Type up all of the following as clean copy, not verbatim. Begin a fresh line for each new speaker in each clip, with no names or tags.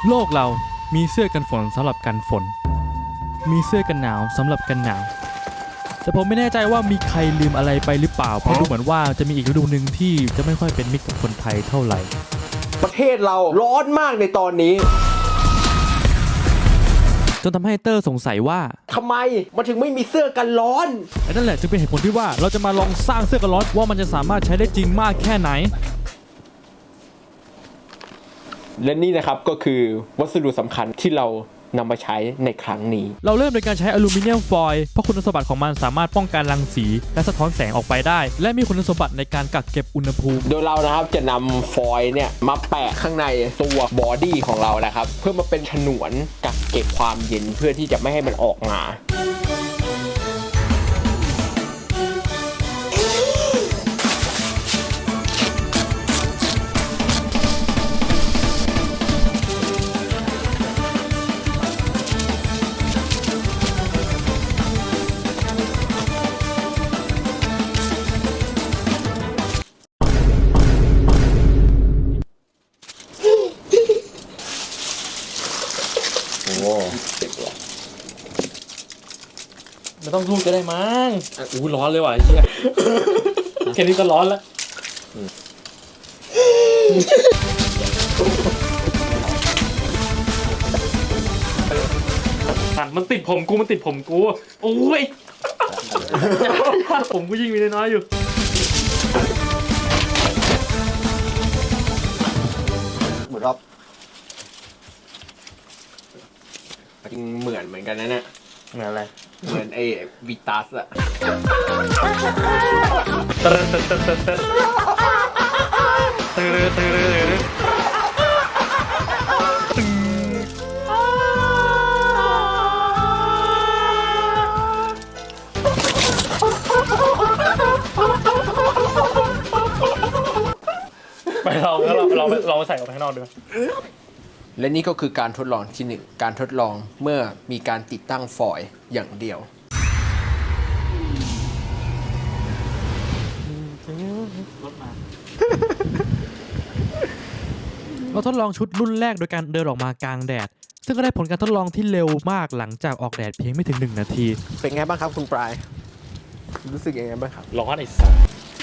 โลกเรามีเสื้อกันฝนสำหรับกันฝนมีเสื้อกันหนาวสำหรับกันหนาวแต่ผมไม่แน่ใจว่ามีใครลืมอะไรไปหรือเปล่าเพราะดูเหมือนว่าจะมีอีกฤดูหนึ่งที่จะไม่ค่อยเป็นมิตรกับคนไทยเท่าไหร่
ประเทศเราร้อนมากในตอนนี้
จนทำให้เตอร์สงสัยว่า
ทำไมมันถึงไม่มีเสื้อกันร้อน
นั่นแหละจึงเป็นเหตุผลที่ว่าเราจะมาลองสร้างเสื้อกันร้อนว่ามันจะสามารถใช้ได้จริงมากแค่ไหน
และนี่นะครับก็คือวัสดุสำคัญที่เรานำมาใช้ในครั้งนี้
เราเริ่มโดยการใช้อลูมิเนียมฟอยล์เพราะคุณสมบัติของมันสามารถป้องกันรังสีและสะท้อนแสงออกไปได้และมีคุณสมบัติในการกักเก็บอุณหภูมิ
โดยเรานะครับจะนำฟอยล์เนี่ยมาแปะข้างในตัวบอดี้ของเรานะครับเพื่อมาเป็นฉนวนกักเก็บความเย็นเพื่อที่จะไม่ให้มันออกมา
ไม่ต้องพูดก็ได้มั้งร้อนเลยว่ะไอ้เหี้ยแค่นี้ก็ร้อนแล้วมันติดผมกูโอ้ยผมกูยิ่งมีน้อยอยู่
เหมือนรอบจริงเหมือนกันนะเนี่ย
เหมือนอะไร
เหมือนไอ้วิตัสอะ
ไปเราใส่ออกไปข้างนอกด้วย
และนี่ก็คือการทดลองที่1การทดลองเมื่อมีการติดตั้งฟอยล์อย่างเดียว
เราทดลองชุดรุ่นแรกโดยการเดินออกมากลางแดดซึ่งก็ได้ผลการทดลองที่เร็วมากหลังจากออกแดดเพียงไม่ถึง1 นาที
เป็นไงบ้างครับคุณปลายรู้สึกยังไงบ้างครับ
ร้อนไอ้สัส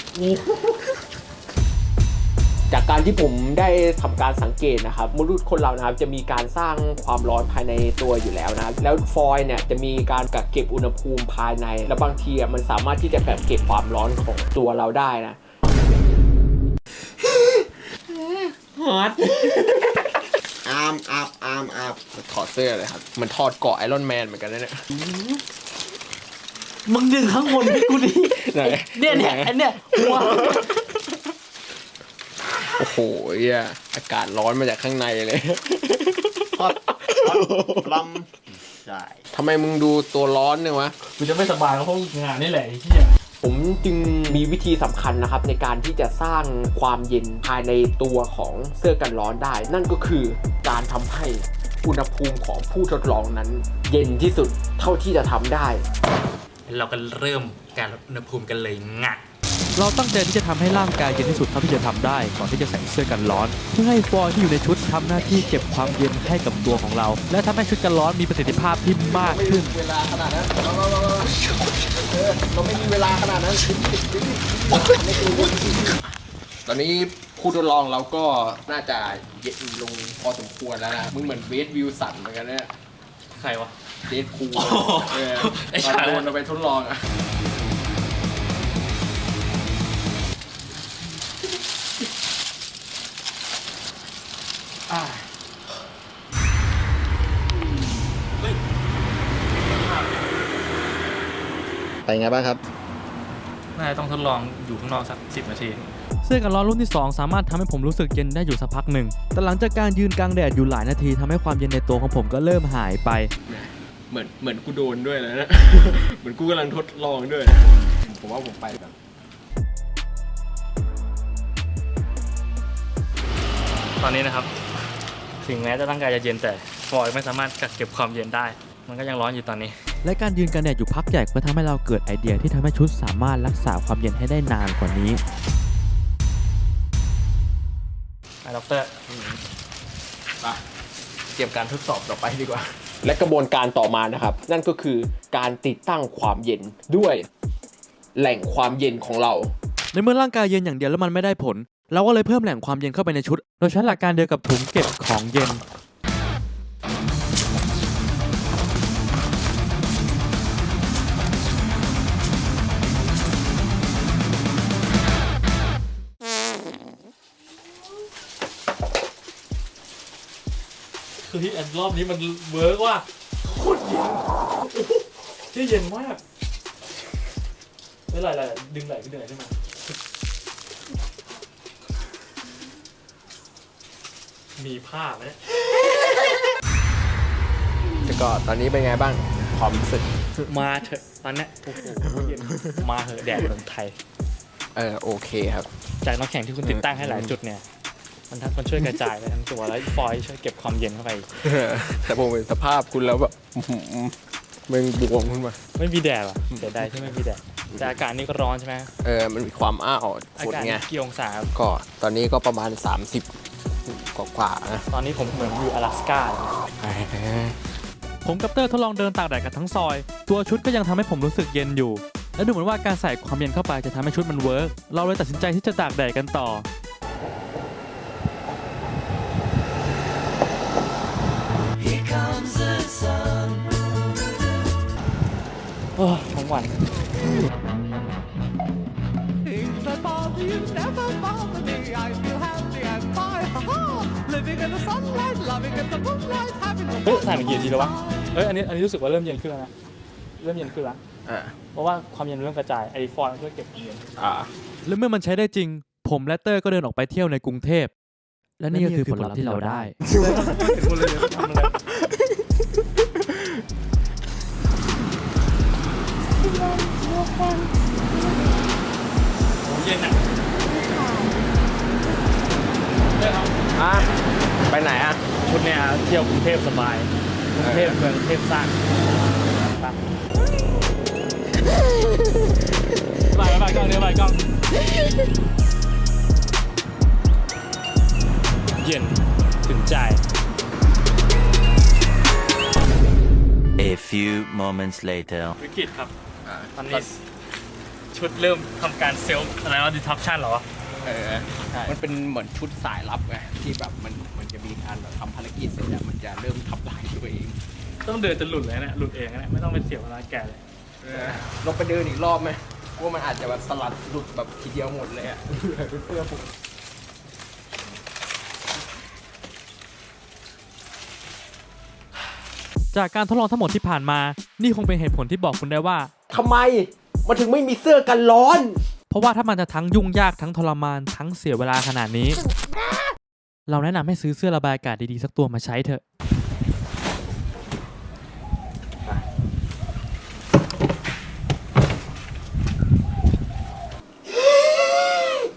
จากการที่ผมได้ทำการสังเกตนะครับมนุษย์คนเรานะครับจะมีการสร้างความร้อนภายในตัวอยู่แล้วนะครับแล้วฟอยล์เนี่ยจะมีการกักเก็บอุณหภูมิภายในและบางทีมันสามารถที่จะกักเก็บความร้อนของตัวเราได้นะฮอตอาร์มถอดเสื้อเลยครับมันถอดเกาะไอรอนแมนเหมือนกันนะเนี่ย
มึงดึงข้างบนให้กูดิเนี่ยอันเนี้ยหัว
โอ้โหอากาศร้อนมาจากข้างในเลยฮอตลำใช่ทำไมมึงดูตัวร้อนเนี่ยวะ
กูจะไม่สบายเพราะงานนี่แหละไอ้เหี้ย
ผมจึงมีวิธีสำคัญนะครับในการที่จะสร้างความเย็นภายในตัวของเสื้อกันร้อนได้ นั่นก็คือการทำให้อุณหภูมิของผู้ทดลองนั้นเย็นที่สุดเท่าที่จะทำได้
เราก็เริ่มการลดอุณหภูมิกันเลยงะเราตั้งใจที่จะทำให้ร่างกายเย็นที่สุดเท่าที่จะทำได้ก่อนที่จะใส่เสื้อกันร้อนเพื่อให้ฟอยล์ที่อยู่ในชุดทำหน้าที่เก็บความเย็นให้กับตัวของเราและทำให้ชุดกันร้อนมีประสิทธิภาพที่มากขึ้น
เวลาขนาดนั้นเราไม่มีเวลาขนาดนั้นตอนนี้ผู้ทดลองเราก็น่าจะเย็นลงพอสมควรแล้วนะมึงเหมือนเวสวิลสันเหมือนกันเนี่ย
ใครวะ
เดดคูลตอนโดนเราไปทดลองอะไปไงบ้างครับ
น่าจะต้องทดลองอยู่ข้างนอกสัก10 นาทีเสื้อกันร้อนรุ่นที่2สามารถทำให้ผมรู้สึกเย็นได้อยู่สักพักหนึ่งแต่หลังจากการยืนกลางแดดอยู่หลายนาทีทำให้ความเย็นในตัวของผมก็เริ่มหายไป
เหมือนกูโดนด้วยนะ เหมือนกูกำลังทดลองด้วยผมว่าผมไปแบบ
ตอนนี้นะครับถึงแม้จะร่างกายจะเย็นแต่ฟอยล์ไม่สามารถกักเก็บความเย็นได้มันก็ยังร้อนอยู่ตอนนี้และการยืนกลางแดดอยู่พักใหญ่ก็ทำให้เราเกิดไอเดียที่ทำให้ชุดสามารถรักษาความเย็นให้ได้นานกว่านี้ด็อกเตอร์
ไป
เตรียมการทดสอบต่อไปดีกว่า
และกระบวนการต่อมานะครับ นั่นก็คือการติดตั้งความเย็นด้วยแหล่งความเย็นของเรา
ในเมื่อร่างกายเย็นอย่างเดียวแล้วมันไม่ได้ผล เราก็เลยเพิ่มแหล่งความเย็นเข้าไปในชุด โดยใช้หลักการเดียวกับถุงเก็บของเย็น
คือที่รอบนี้มันเวิร์กว่าโคตรเย็นที่เย็นมากไม่ไหลดึงไหลขึ้นมามีผ้าไหมเนี่ย
แล้วก็ตอนนี้เป็นไงบ้างความรู้สึก
มาเถอะตอนเนี้ยโอ้โหเย็นมาเถอะแดดเมืองไทย
โอเคครับ
จากน้ำแข็งที่คุณติดตั้งให้หลายจุดเนี่ยมันช่วยกระจายไปทั้งตัวแล้วฟอยล์ช่วยเก็บความเย็นเข้าไป
แต่ผมเห็นสภาพคุณแล้วแบบมึงบวมขึ้นมา
ไม่มีแดดว่ะเสียดายที่ไม่มีแดดแต่อากาศนี่ก็ร้อนใช่ไหม
มันมีความอ้าว
อา
ฝุ่น
กาศ
ไง
กี่องศาครับ
ก็ตอนนี้ก็ประมาณ 30 กว่าๆนะ
ตอนนี้ผมเหมือนอยู่阿拉斯ก้าเลย
ผมกับเตอร์ทดลองเดินตากแดดกันทั้งซอย ตัวชุดก็ยังทำให้ผมรู้สึกเย็นอยู่ และดูเหมือนว่าการใส่ความเย็นเข้าไปจะทำให้ชุดมันเวิร์กเราเลยตัดสินใจที่จะตากแดดกันต่อ
โอ้ทั้งวัน
Things that bother you never bother me. I feel happy and fine. Ha-ha. Living in the sunlight, loving in the moonlight, having a
เฮ้ยถ่ายมากี่นาทีแล้ววะอันนี้รู้สึกว่าเริ่มเย็นขึ้นแล้วนะเริ่มเย็นขึ้นแล้วเพราะว่าความเย็นเริ่มกระจายไอฟอยล์มันช่วยเก็บความเย็น
และเมื่อมันใช้ได้จริง ผมและเตอร์ก็เดินออกไปเที่ยวในกรุงเทพ และนี่ก็คือผลลัพธ์ที่เราได้
เย็นอ่ะ
ไปไหนอ่ะ
ชุดเนี้ยเที่ยวกรุงเทพสบายกรุงเทพเมืองเทพสร้างไปกล้องเดี๋ยวไปกล้องเย็นถึงใจ
A few moments later.
วิกฤตครับตอนนี้ชุดเริ่มทำการเซลฟ์อะไรว่าดิทักชันเหรอวะ
มันเป็นเหมือนชุดสายลับไงที่แบบมันจะมีการแบบทำภารกิจเสร็จแล้วมันจะเริ่มทำลายตัวเอง
ต้องเดินจนหลุดเลยนะหลุดเองนะไม่ต้องไปเสียเวลาแก่เลย
ลองไปเดินอีกรอบไหมว่ามันอาจจะแบบสลัดหลุดแบบทีเดียวหมดเลยอ่ะเพื่อผม
จากการทดลองทั้งหมดที่ผ่านมา นี่คงเป็นเหตุผลที่บอกคุณได้ว่า
ทำไมมันถึงไม่มีเสื้อกันร้อน
เพราะว่าถ้ามันจะทั้งยุ่งยากทั้งทรมานทั้งเสียเวลาขนาดนี้ เราแนะนำให้ซื้อเสื้อระบายอากาศดีๆสักตัวมาใช้เถอะ